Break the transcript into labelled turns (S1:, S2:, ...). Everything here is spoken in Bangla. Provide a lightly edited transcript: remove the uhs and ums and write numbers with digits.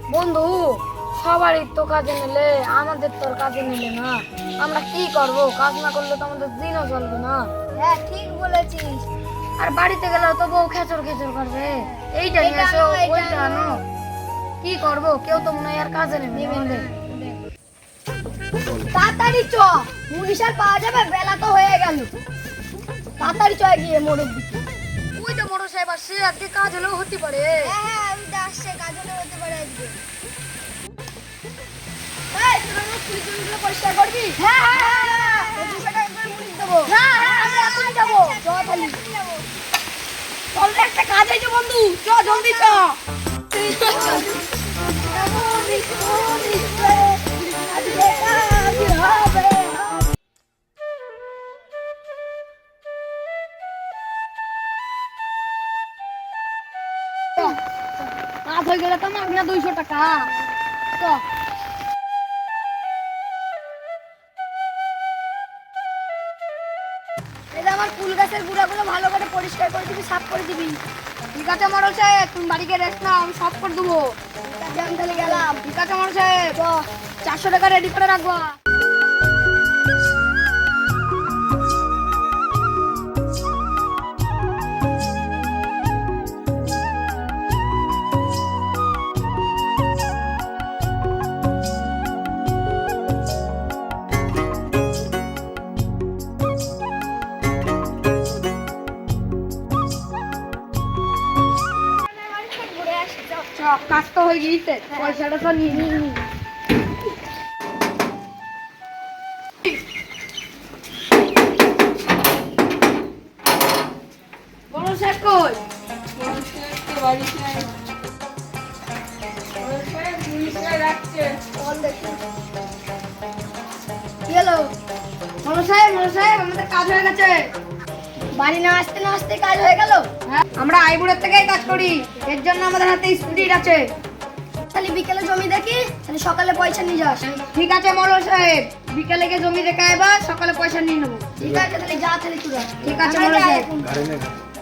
S1: বন্ধু, সবারই তো কাজে নিলে আমাদের তো আর কাজে নিলে না। আমরা কি করব? কাজ না করলে তো আমাদের দিনও চলবে না।
S2: হ্যাঁ ঠিক বলেছিস।
S1: আর বাড়িতে গেলেও তো বউ খেচর খেচর করবে, এইটা নিয়ে এসো ওইটা আনো। কি করব? কেউ তো মনে হয় আর কাজে নেবে না আমাদের।
S2: তাড়াতাড়ি চ, পুলিশ আর পাওয়া যাবে, বেলা তো হয়ে গেল। তাড়াতাড়ি চ গিয়ে মোড়ের দিকে।
S1: ওই তো বড় সাহেব আসছে, আজকে কাজ হলেও হতে পারে।
S2: হ্যাঁ আমি তো আসছে, কাজ হলে হতে পারে আজকে। এই তোরা না পুলিশ জমিগুলো পরিষ্কার করবি? হ্যাঁ হ্যাঁ হ্যাঁ 200 টাকা করে পুলিশ দেবো। হ্যাঁ হ্যাঁ আমরা এখনই যাবো। চ তাহলে চল রে, একটা কাজ আছে বন্ধু, চ জলদি চ। কাজ হয়ে গেলে তো মাগনা 200 টাকা। চ এটা আমার ফুল গাছের গুঁড়াগুলো ভালো করে পরিষ্কার করে দিবি, সাফ করে দিবি। ঠিক আছে মরল সাহেব, তুমি বাড়িতে রেস্ট নাও, আমি সব করে দেবো। ঠিক আছে আমি তাহলে গেলাম। ঠিক আছে মরল সাহেব, 400 টাকা রেডি করে রাখবো। কাজ তো হয়ে গিয়েছে, পয়সাটা তো নিয়ে নি। বড় স্যার কই? কি হলো? বড় সাহেব আমাদের কাজ হয়ে গেছে। বাড়ি না আসতে না আসতে কাজ হয়ে গেল। হ্যাঁ, আমরা আইবুড়ের থেকেই কাজ করি, এর জন্য আমাদের হাতে স্পিড আছে। তাহলে বিকেলে জমি দেখি, তাহলে সকালে পয়সা নিয়ে যাস। ঠিক আছে মোড়ল সাহেব, বিকেলে গিয়ে জমি দেখে আইবা, সকালে পয়সা নিয়ে নেবো। ঠিক আছে তাহলে যা, তাহলে তুই। ঠিক আছে মোড়ল সাহেব।